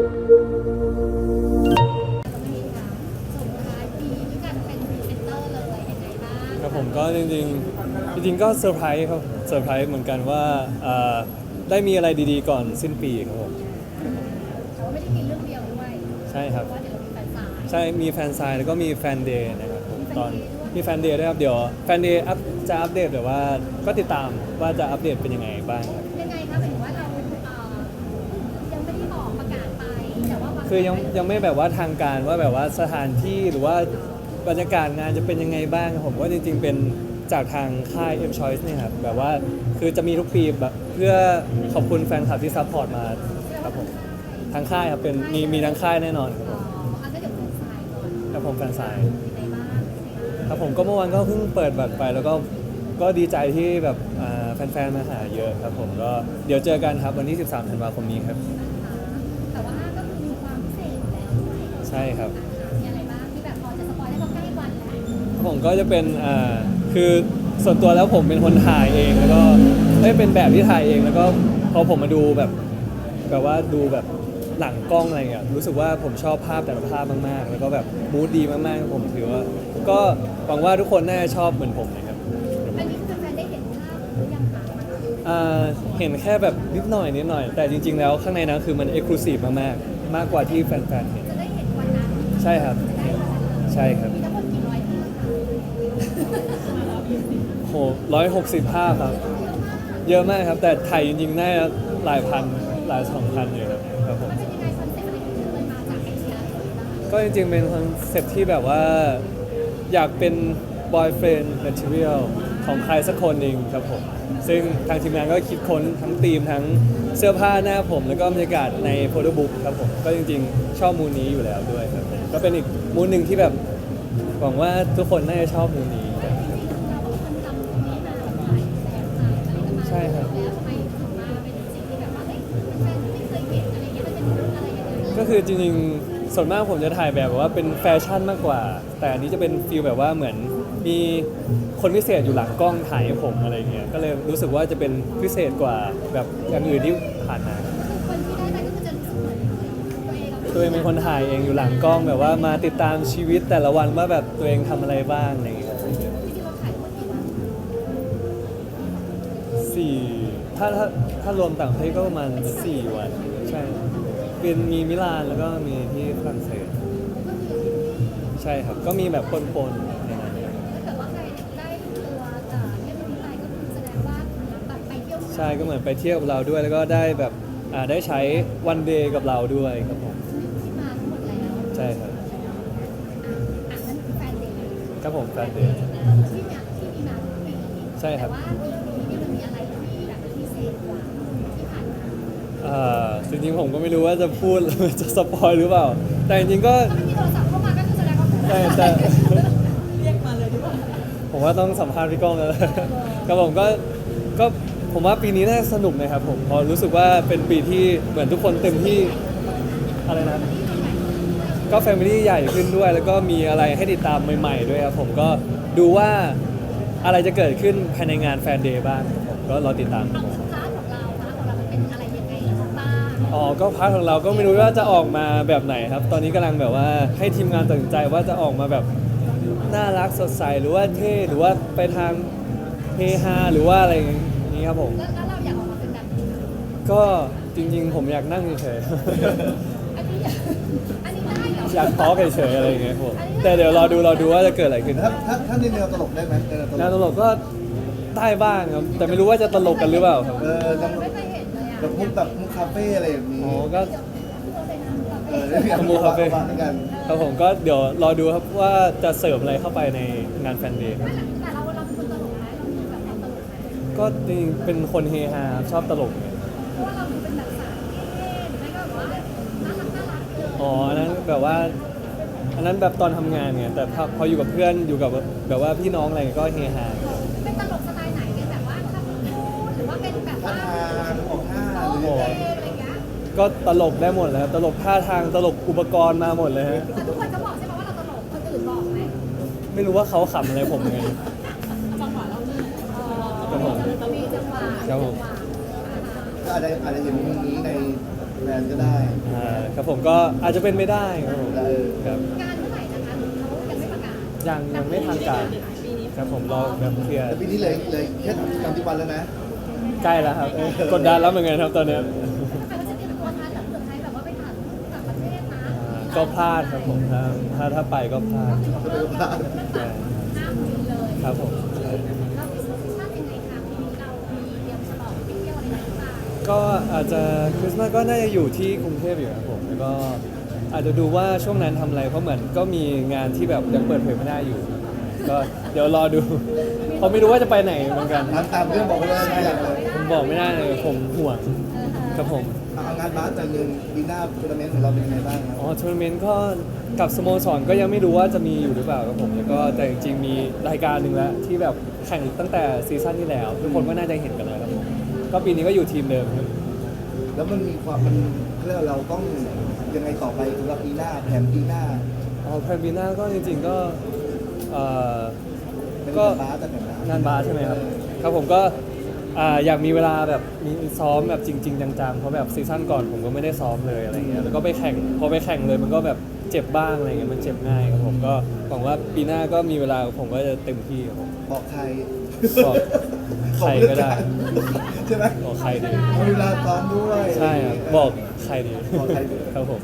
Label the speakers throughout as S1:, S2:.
S1: ครับผมก็จริงก็เซอร์ไพรส์ครับเซอร์ไพรส์เหมือนกันว่าได้มีอะไรดีๆก่อนสิ้นปีครับผม
S2: แต่ว่าไม่ได้มีเรื่องเดียวด้วย
S1: ใช่ครับ
S2: เพราะว่าเดี๋ยวเรามีแฟนสาย
S1: ใช่มีแฟนไซน์แล้วก็มีแฟนเดย์นะครับผมตอนมีแฟนเดย์ด้วยครับเดี๋ยวแฟนเดย์จะอัปเดตแต่ว่าก็ติดตามว่าจะอัปเดตเป็นยังไงบ้างครับ
S2: ยังไงคะหมายถึงว่าเรายังไม่ได้บอกประกาศไปแต่ว่า
S1: คือยังไม่แบบว่าทางการว่าแบบว่าสถานที่หรือว่าบรรยากาศงานจะเป็นยังไงบ้างครับผมว่าจริงๆเป็นจากทางค่าย M Choice เนี่ยครับแบบว่าคือจะมีทุกปีแบบเพื่อขอบคุณแฟนคลับที่ซัพพอร์ตมาครับผมทางค่ายครับเป็นมีทางค่ายแน่นอนครับผม
S2: อันก็เดี๋ยวแฟนสายก่อน
S1: ครับผมแฟนไซน์
S2: มีในบ้าน
S1: ครับผมก็เมื่อวานก็เพิ่งเปิดบัตรไปแล้วก็ดีใจที่แบบแฟนๆมาหาเยอะครับผมก็เดี๋ยวเจอกันครับวันที่13 ธันวาคมนี้ครับ
S2: แต่ว่าก็คือมีความพิเศษอยู่แล้วด้วย
S1: ใช่ครับ
S2: มีอะไรบ้างที่แบบพอจะสปอยได้เพราะใกล้วันแล้ว
S1: ผมก็จะเป็นคือส่วนตัวแล้วผมเป็นคนถ่ายเองแล้วก็เป็นแบบที่ถ่ายเองแล้วก็พอผมมาดูแบบว่าดูแบบหลังกล้องอะไรเงี้ยรู้สึกว่าผมชอบภาพแต่ละภาพมากๆแล้วก็แบบมูดดีมากๆผมถือว่าก็หวังว่าทุกคนน่าจะชอบเหมือนผมนะครับ
S2: อันนี้คือแฟนได้เห็นภาพหรือยังคะ
S1: เห็นแค่แบบนิดหน่อยแต่จริงๆแล้วข้างในนั้นคือมันเอ็กซ์คลูซีฟมากกว่าที่แฟนๆเห็น
S2: จะได้เห็นวันนั้น
S1: ใช่ครับใช่ครับ
S2: มีทั้งหมดกี่ร้อยภาพ
S1: โห160 ภาพครับเยอะมากครับแต่ถ่ายจริงๆน่าจะหลายพันหลาย2,000อยู่ครับผม
S2: เป็นยังไงคอนเซ็ปต์อะไรที่มันมาจากไอเดีย
S1: ก็จริงๆเป็นคอนเซ็ปต์ที่แบบว่าอยากเป็น boyfriend material ของใครสักคนหนึ่งครับผมซึ่งทางทีมงานก็คิดค้นทั้งธีมทั้งเสื้อผ้าหน้าผมแล้วก็บรรยากาศในโฟโต้บุ๊กครับผมก็จริงๆชอบมูนนี้อยู่แล้วด้วยครับผมก็เป็นอีกมูนหนึ่งที่แบบหวังว่าทุกคนน่าจะชอบมูนนี้ใช่ครับก็คือจริงๆส่วนมากผมจะถ่ายแบบว่าเป็นแฟชั่นมากกว่าแต่อันนี้จะเป็นฟีลแบบว่าเหมือนมีคนพิเศษอยู่หลังกล้องถ่ายให้ผมอะไรเงี้ยก็เลยรู้สึกว่าจะเป็นพิเศษกว่าแบบอย่างอื่นที่ผ่านมาตัวเองเป็นคนถ่ายเองอยู่หลังกล้องแบบว่ามาติดตามชีวิตแต่ละวันว่าแบบตัวเองทำอะไรบ้างอะไรเงี้ยถ้ารวมต่างประเทศก็ประมาณ4 วันใช่เป็นมีมิลานแล้วก็มีที่ฝรั่งเศสใช่ครับก็มีแบบปนๆในนั้นใช่ก็เหมือนไปเที่ยวกับเราด้วยแล้วก็ได้แบบได้ใช้วันเดย์กับเราด้วยครับผมใช่ครับครับผมแฟนเดย์ใช่ครับจริงๆผมก็ไม่รู้ว่าจะพูดจะสปอยหรือเปล่าแต่จริงๆก็มีโทรศัพท์เข้ามาก็คือแสดงว่าแต่เรียกมาเลยดีกว่าผมว่าต้องสัมภาษณ์พี่ก้องแล้วครับผมก็ผมว่าปีนี้น่าสนุกนะครับผมพอรู้สึกว่าเป็นปีที่เหมือนทุกคนเต็มที่อะไรนะก็แฟมิลี่ใหญ่ขึ้นด้วยแล้วก็มีอะไรให้ติดตามใหม่ๆด้วยครับผมก็ดูว่าอะไรจะเกิดขึ้นภายในงานแฟนเดย์บ้างผมก็รอติดตามครับผมก็พาร์ทของเราก็ไม่รู้ว่าจะออกมาแบบไหนครับตอนนี้กำลังแบบว่าให้ทีมงานตัดสินใจว่าจะออกมาแบบน่ารักสดใสหรือว่าเท่หรือว่าไปทางเฮฮาหรือว่าอะไรอย่างนี้ครับผม
S2: แล้วเราอยากออกมาเป็นแบบไหน
S1: ก็จริงๆผมอยากนั่งเฉย
S2: ๆอันนี้ได้เหรอ
S1: อยากทอล์กเฉยๆอะไรอย่างเงี้ยผมแต่เดี๋ยวรอดูว่าจะเกิดอะไรขึ้น
S3: ถ้าในแนวตลกได้ไหม
S1: แนวตลกก็ได้บ้างครับแต่ไม่รู้ว่าจะตลกกันหรือเปล่าครับ
S2: ไม่เคยเห็นเลย
S3: แบบมุกคาเฟ่อะไรอย่างนี้
S1: ก็มุกคาเฟ่ครับผมก็เดี๋ยวรอดูครับว่าจะเสิร์ฟอะไรเข้าไปในงานแฟนเดย์
S2: แต่เราเป็นคนตลกไหมเราเป็นแบบตลกไหม
S1: ก็จริงเป็นคนเฮฮาชอบตลก
S2: เพราะว่าเราเป็นแบบสายเท่หรือไม่ก็แบบว่าน่ารัก
S1: เลยอันนั้นแบบว่าอันนั้นแบบตอนทำงานไงแต่พออยู่กับเพื่อนอยู่กับแบบว่าพี่น้องอะไรก็เฮฮา
S2: เป็นตลกสไตล์ไหนเป็นแบบว่าคำพูดหรือว่าเป็นแบบว่า
S3: ออกท่า
S2: หรืออะไรเงี้ย
S1: ก็ตลกได้หมดเลยครับตลกท่าทางตลกอุปกรณ์มาหมดเลยฮะ
S2: แต่ทุกคนจะบอกใช่ไหมว่าเราตลกคนอื่นบอกไหม
S1: ไม่รู้ว่าเขาขำอะไรผมไง
S2: จังหวะเรา
S1: ครับผม
S2: มีจังหวะ
S1: ครับผม
S3: ก็อาจจะเห็นมุมนี้ในแบรนด์ก็ได้
S1: คครับผมก็อาจจะเป็นไม่ได้ครับผมครับ
S2: งานเมื่อไหร่นะคะเขายังไม่ประกาศ
S1: ยังไม่ทางการครับผมรอแบบเคลียร์
S3: แต่ปีนี้เลยแค่30 วันแล้วนะ
S1: ใกล้แล้วครับกดดันแล้วเหมือนกันครับตอนเนี้ย
S2: ทำไมเขาจะเตรียมตัวทันแบบเผื่อใครแบบว่าไปต่างประเทศนะ
S1: ก็พลาดครับผมถ้าไปก็พลาด
S2: เริ่มแบบห้ามบินเลย
S1: ครับผมใช่
S2: เราคริสต์มาสยังไงคะปีนี้เรามีเตรียมฉลองไปเที่ยวอะไรกันหรือเปล่า
S1: ก็อาจจะคริสต์มาสก็น่าจะอยู่ที่กรุงเทพอยู่ครับผมแล้วก็อาจจะดูว่าช่วงนั้นทำอะไรเพราะเหมือนก็มีงานที่แบบยังเปิดเผยไม่ได้อยู่ ก็เดี๋ยวรอดูเพราะไม่รู้ว่าจะไปไหนเหมือนกัน
S3: ตามเรื่องบอกไปเลยไม่อยากเลย
S1: ผมบอกไม่ได้เลยผมห่วงครับผม
S3: เอางานบาสแต่หนึ่งปีหน้าทัวร์นาเมนต์ของเราเป็นยังไงบ้างครับ
S1: อ๋อทัวร์นาเมนต์ก็กับสโมสรก็ยังไม่รู้ว่าจะมีอยู่หรือเปล่าครับผมแล้วก็แต่จริงๆมีรายการหนึ่งแล้วที่แบบแข่งตั้งแต่ซีซั่นที่แล้ว ทุกคนก็น่าจะเห็นกันแล้วครับผมก็ปีนี้ก็อยู่ทีมเดิมครับ
S3: แล้วมันมีความมันเรียกว่าเราต้องยังไงต่อไปสำหรับปีหน้าแผนปีหน้า
S1: อ๋อแพลนปีหน้าก็จริงๆก็เอ่อ
S3: เป็น
S1: ก็
S3: งานบาสแต่แผน
S1: งานบาสใช่ไหมครับ ครับผมก็อยากมีเวลาแบบมีซ้อมแบบจริง ๆ จังๆเพราะแบบซีซั่นก่อนผมก็ไม่ได้ซ้อมเลยอะไรเงี้ยแล้วก็ไปแข่งพอไปแข่งเลยมันก็แบบเจ็บบ้างอะไรเงี้ยมันเจ็บง่ายครับผมก็หวังว่าปีหน้าก็มีเวลาผมก็จะเต็มที่ครับผม
S3: บอกใคร
S1: บอกใครก็ได้
S3: ใช่ไหม
S1: บอกใครดี
S3: มีเวลาซ้อมด้วย
S1: ใช่ครับบอกใครดี
S3: บอกใครดี
S1: ครับผม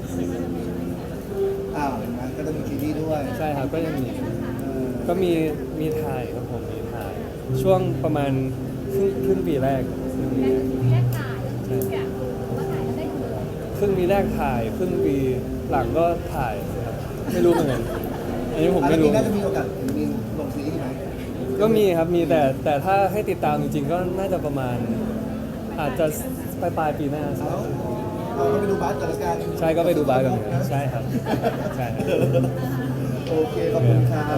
S3: อย่างนั้นก็จะมีซีรีส์ด้วย
S1: ใช่ครับก็ยังมี
S3: เออ
S1: ก็มีถ่ายครับผมมีถ่าย ช่วงประมาณครึ่งปีแรกครึ่งปีแรก
S2: แยกถ่ายเนี่ยว่าถ่ายแล้วได้ดูเลย
S1: ครึ่งปีแรกถ่ายครึ่งปีหลังก็ถ่ายครับไม่รู้เหมือนกันอันนี้ผมไม่รู้
S3: อันนี้น่าจะมีโอกาสมีลงซีรีส์ไหม
S1: ก็มีครับมีแต่ถ้าให้ติดตามจริงๆ ก็น่าจะประมาณ อาจจะปลายปีหน้า
S3: เราก็ไปดูบาสกันละกัน
S1: ใช่ก็ไปดูบาร์กันเหมือนกันใช่ครับใช่ครับ
S3: โอเค ขอบคุณครับ